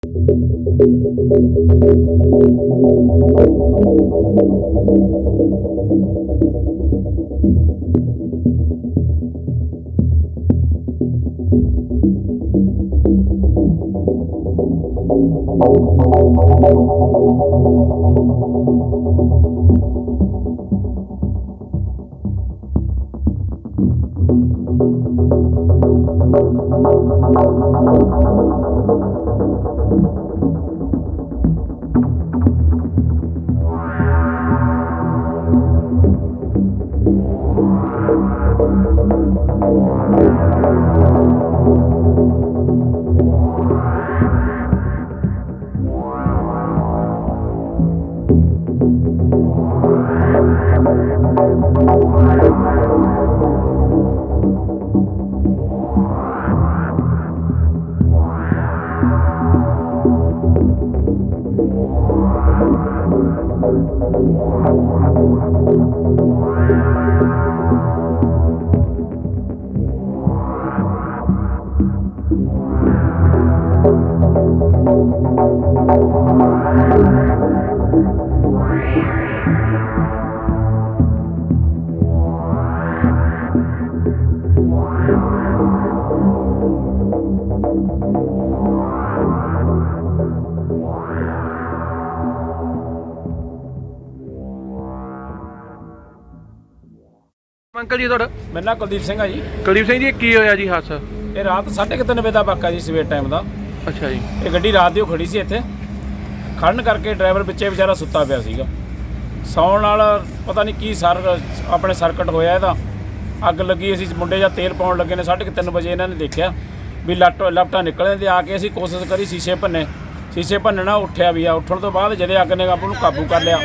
Uncle जी थोड़ा मेरा नाम कुलदीप सिंह है जी। कुलदीप सिंह जी की होया जी हादसा? ये रात 3:30 वजे का वाक़ा जी, सवेर टाइम का। अच्छा जी। ये गड्डी रात की खड़ी सी इत्थे, खड़न करके ड्राइवर पिछे बेचारा सुत्ता पिया सीगा। सौण नाल पता नहीं की अपने सर्किट होया इहदा, अग लगी। असीं मुंडे ਜਾਂ तेल पाउण लगे ने 3:30 वजे इन्हां ने देखिया भी लपटा निकलने ते आके असीं कोशिश करी शीशे भन्ने, शीशे भन्नना उठिया भी आ। उठण तो बाद जदे अग ने आपू काबू कर लिया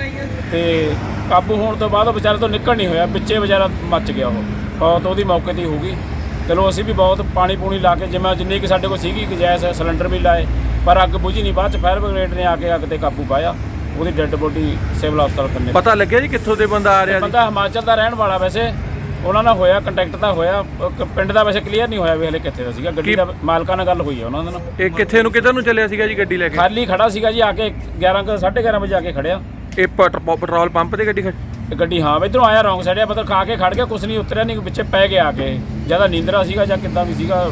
ते काबू होने तो बाद बेचारे तो निकल नहीं होया, पिछे बेचारा मच गया। तो ਉਹਦੀ मौके ਤੇ हो गई। चलो असीं भी बहुत पानी पूनी ला के जिम्मे जिन्नी कि साडे कोल सीगी गैस सिलेंडर भी लाए, पर अग बुझी नहीं। बाद फायर ब्रिगेड ने आके अग ते काबू पाया। ਉਹਦੀ ਡੈੱਡ ਬੋਡੀ ਸਿਵਲ ਹਸਪਤਾਲ ਕੰਨੇ। ਪਤਾ ਲੱਗਿਆ ਜੀ ਕਿੱਥੋਂ ਦੇ ਬੰਦਾ ਆ ਰਿਹਾ? ਬੰਦਾ ਹਿਮਾਚਲ ਦਾ ਰਹਿਣ ਵਾਲਾ। ਵੈਸੇ ਉਹਨਾਂ ਨਾਲ ਹੋਇਆ ਕੰਟੈਕਟ ਤਾਂ ਹੋਇਆ, ਪਿੰਡ ਦਾ ਵੈਸੇ ਕਲੀਅਰ ਨਹੀਂ ਹੋਇਆ ਵੀ ਹਲੇ ਕਿੱਥੇ ਦਾ ਸੀਗਾ। ਗੱਡੀ ਦਾ ਮਾਲਕਾਂ ਨਾਲ ਗੱਲ ਹੋਈ ਹੈ ਉਹਨਾਂ ਦੇ ਨਾਲ। ਇਹ ਕਿੱਥੇ ਨੂੰ ਕਿੱਧਰ ਨੂੰ ਚੱਲਿਆ ਸੀਗਾ ਜੀ ਗੱਡੀ ਲੈ ਕੇ? ਖਾਲੀ ਖੜਾ ਸੀਗਾ ਜੀ, ਆ ਕੇ 11:30 ਵਜੇ ਆ ਕੇ ਖੜਿਆ। ਇਹ ਪੈਟਰੋਲ ਪੰਪ ਤੇ ਗੱਡੀ ਹਾਂ ਇੱਧਰੋਂ ਆਇਆ ਰੌਂਗ ਸਾਈਡ, ਮਤਲਬ ਖਾ ਕੇ ਖੜ ਗਿਆ, ਕੁਛ ਨਹੀਂ ਉਤਰਿਆ ਨਹੀਂ, ਵਿੱਚੇ ਪੈ ਗਿਆ ਆ ਕੇ। ਜਿਆਦਾ ਨੀਂਦਰਾ ਸੀਗਾ ਜਾਂ ਕਿੱਦਾਂ ਵੀ ਸੀਗਾ।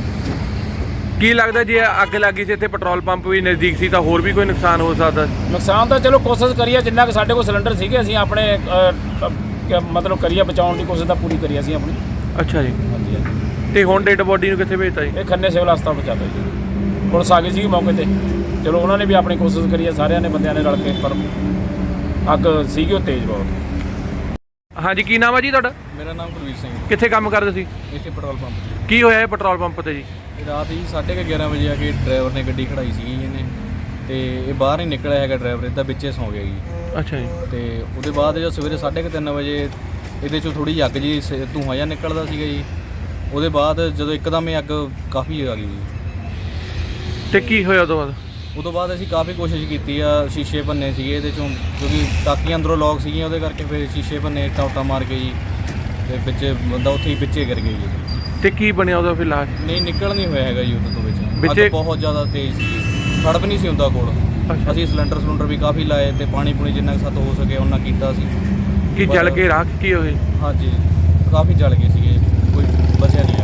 ਕੀ ਲੱਗਦਾ ਜੇ ਅੱਗ ਲੱਗੀ ਸੀ ਇੱਥੇ ਪੈਟਰੋਲ ਪੰਪ ਵੀ ਨਜ਼ਦੀਕ ਸੀ ਤਾਂ ਹੋਰ ਵੀ ਕੋਈ ਨੁਕਸਾਨ ਹੋ ਸਕਦਾ? ਨੁਕਸਾਨ ਤਾਂ ਚਲੋ ਕੋਸ਼ਿਸ਼ ਕਰੀਏ, ਜਿੰਨਾ ਕਿ ਸਾਡੇ ਕੋਲ ਸਿਲੰਡਰ ਸੀਗੇ ਅਸੀਂ ਆਪਣੇ ਮਤਲਬ ਕਰੀਏ ਬਚਾਉਣ ਦੀ ਕੋਸ਼ਿਸ਼ ਤਾਂ ਪੂਰੀ ਕਰੀ ਅਸੀਂ ਆਪਣੀ। ਅੱਛਾ ਜੀ। ਹਾਂਜੀ ਹਾਂਜੀ। ਤੇ ਹੁਣ ਡੈਡ ਬੋਡੀ ਨੂੰ ਕਿੱਥੇ ਭੇਜਤਾ ਜੀ? ਇਹ ਖੰਨੇ ਸਿਵਲ ਹਸਪਤਾਲ ਪਹੁੰਚਾਤਾ ਜੀ। ਪੁਲਿਸ ਆ ਗਈ ਸੀ ਮੌਕੇ ਤੇ। ਚਲੋ ਉਹਨਾਂ ਨੇ ਵੀ ਆਪਣੀ ਕੋਸ਼ਿਸ਼ ਕਰੀ ਹੈ, ਸਾਰਿਆਂ ਨੇ ਬੰਦਿਆਂ ਨੇ ਰਲ ਕੇ, ਪਰ ਅੱਗ ਸੀਗੀ ਉਹ ਤੇਜ਼ ਬਹੁਤ। ਹਾਂਜੀ, ਕੀ ਨਾਮ ਹੈ ਜੀ ਤੁਹਾਡਾ? ਮੇਰਾ ਨਾਮ ਕੁਲਵੀਰ ਸਿੰਘ। ਕਿੱਥੇ ਕੰਮ ਕਰਦੇ ਸੀ? ਇੱਥੇ ਪੈਟਰੋਲ ਪੰਪ 'ਤੇ। ਕੀ ਹੋਇਆ ਇਹ ਪੈਟਰੋਲ ਪੰਪ ਤੇ ਜੀ? ਰਾਤ ਜੀ 11:30 ਵਜੇ ਆ ਕੇ ਡਰਾਈਵਰ ਨੇ ਗੱਡੀ ਖੜਾਈ ਸੀਗੀ ਇਹਨੇ, ਤੇ ਇਹ ਬਾਹਰ ਨਹੀਂ ਨਿਕਲਿਆ ਹੈਗਾ ਡਰਾਈਵਰ, ਇਹਦਾ ਵਿੱਚੇ ਸੌਂ ਗਿਆ ਜੀ। ਅੱਛਾ ਜੀ। ਤੇ ਉਹਦੇ ਬਾਅਦ ਜਦੋਂ ਸਵੇਰੇ 3:30 ਵਜੇ ਇਹਦੇ 'ਚੋਂ ਥੋੜ੍ਹੀ ਜਿਹੀ ਅੱਗ ਜੀ ਧੂੰਆਂ ਜਿਹਾ ਨਿਕਲਦਾ ਸੀਗਾ ਜੀ। ਉਹਦੇ ਬਾਅਦ ਜਦੋਂ ਇੱਕਦਮ ਇਹ ਅੱਗ ਕਾਫੀ ਆ ਗਈ ਜੀ। ਤੇ ਕੀ ਹੋਇਆ ਉਦੋਂ ਬਾਅਦ? ਉਦੋਂ ਬਾਅਦ ਅਸੀਂ ਕਾਫੀ ਕੋਸ਼ਿਸ਼ ਕੀਤੀ ਆ, ਸ਼ੀਸ਼ੇ ਭੰਨੇ ਸੀਗੇ ਇਹਦੇ 'ਚੋਂ, ਕਿਉਂਕਿ ਟਾਕੀਆਂ ਅੰਦਰੋਂ ਲੌਕ ਸੀਗੀਆਂ, ਉਹਦੇ ਕਰਕੇ ਫਿਰ ਸ਼ੀਸ਼ੇ ਭੰਨੇ, ਟਾਉਟਾ ਮਾਰ ਕੇ ਜੀ, ਤੇ ਵਿੱਚੇ ਬੰਦਾ ਉੱਥੇ ਹੀ ਵਿੱਚੇ ਗਿਰ ਗਿਆ ਜੀ। ਤੇ ਕੀ ਬਣਿਆ ਉਹਦਾ ਫਿਰ ਲਾਸ਼? ਨਹੀਂ ਨਿਕਲ ਨਹੀਂ ਹੋਇਆ ਹੈਗਾ ਜੀ ਉਦੋਂ ਤੋਂ ਵਿੱਚ। ਅੱਗ ਬਹੁਤ ਜ਼ਿਆਦਾ ਤੇਜ਼ ਸੀ, ਫੜ ਵੀ ਨਹੀਂ ਸੀ ਹੁੰਦਾ ਕੋਲ। ਅਸੀਂ ਸਿਲੰਡਰ ਵੀ ਕਾਫੀ ਲਾਏ ਤੇ ਪਾਣੀ ਪੂਣੀ ਜਿੰਨਾ ਕੁ ਸਾਤੋਂ ਹੋ ਸਕੇ ਉਹਨਾਂ ਕੀਤਾ ਸੀ। ਕੀ ਜਲ ਕੇ ਰਾਖ ਕੀ ਹੋਏ? ਹਾਂਜੀ ਕਾਫੀ ਜਲ ਗਏ ਸੀਗੇ, ਕੋਈ ਬਚਿਆ ਨਹੀਂ।